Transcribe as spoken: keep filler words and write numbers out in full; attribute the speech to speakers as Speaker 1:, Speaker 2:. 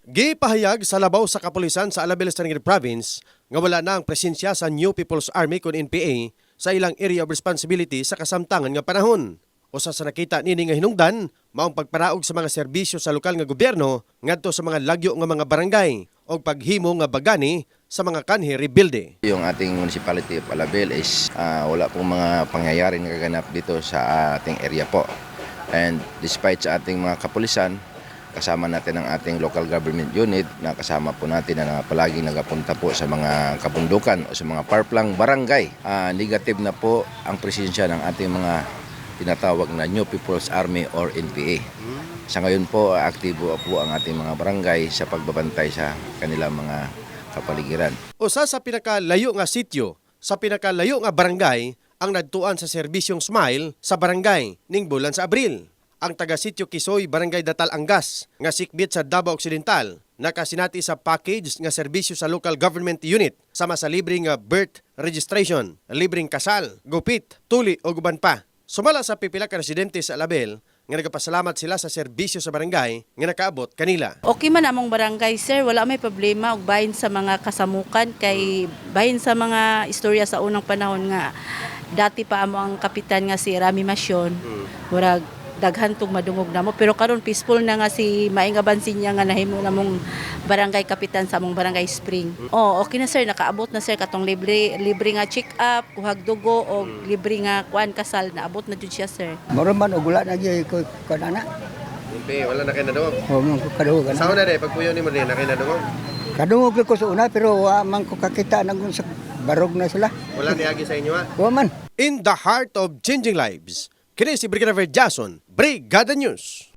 Speaker 1: Gipahayag sa labaw sa kapulisan sa Alabel Estangir Province nga wala na ang presensya sa New People's Army kun N P A sa ilang area of responsibility sa kasamtangan nga panahon. Usa sa nakita nini nga hinungdan maong pagparaog sa mga serbisyo sa lokal nga gobyerno ngadto sa mga lagyo nga mga barangay o paghimo nga bagani sa mga kanhi rebuilde.
Speaker 2: Yung ating municipality of Alabel is uh, wala pong mga pangyayari na kaganap dito sa ating area po. And despite sa ating mga kapulisan, kasama natin ang ating local government unit na kasama po natin na palaging nagapunta po sa mga kabundukan o sa mga parplang barangay. Uh, negative na po ang presensya ng ating mga tinatawag na New People's Army or N P A. Sa ngayon po, aktibo po ang ating mga barangay sa pagbabantay sa kanilang mga kapaligiran.
Speaker 1: Usa sa pinakalayo nga sityo, sa pinakalayo nga barangay, ang nagtuan sa serbisyong Smile sa barangay ning bulan sa Abril. Ang taga-sityo Kisoy, Barangay Datal Angas, nga sikbit sa Davao Occidental, nakasinati sa package nga serbisyo sa local government unit sama sa libreng nga birth registration, libreng kasal, gupit, tuli o guban pa. Sumala sa pipila ka residente sa Alabel, nga nagapasalamat sila sa serbisyo sa barangay nga nakaabot kanila.
Speaker 3: Okay man among barangay, sir, wala may problema og bahin sa mga kasamukan kay bahin sa mga istorya sa unang panahon nga dati pa amo ang kapitan nga si Rami Masyon. Murag daghan tong madungog namo pero karon peaceful na nga si Maing Abansin niya nga nahimo namong barangay kapitan sa among barangay Spring. Oh, okay na sir, nakaabot na sir katong libre libre nga check up, kuhag dugo o libre nga kuan kasal naabot na jud siya sir.
Speaker 4: Moro man og wala na gyud ko kanana.
Speaker 1: Hindi, wala na kayo nadungog.
Speaker 4: O man ko kadungog.
Speaker 1: Saan na rin, pagpuyo ni mo rin, na kayo nadungog?
Speaker 4: Kadungog ko sa una pero wa man ko kakita nang sa barog na sila.
Speaker 1: Wala niagi sa inyo ha?
Speaker 4: Wa man.
Speaker 1: In the heart of changing lives, kini si Brigadier Jason, Brigada News.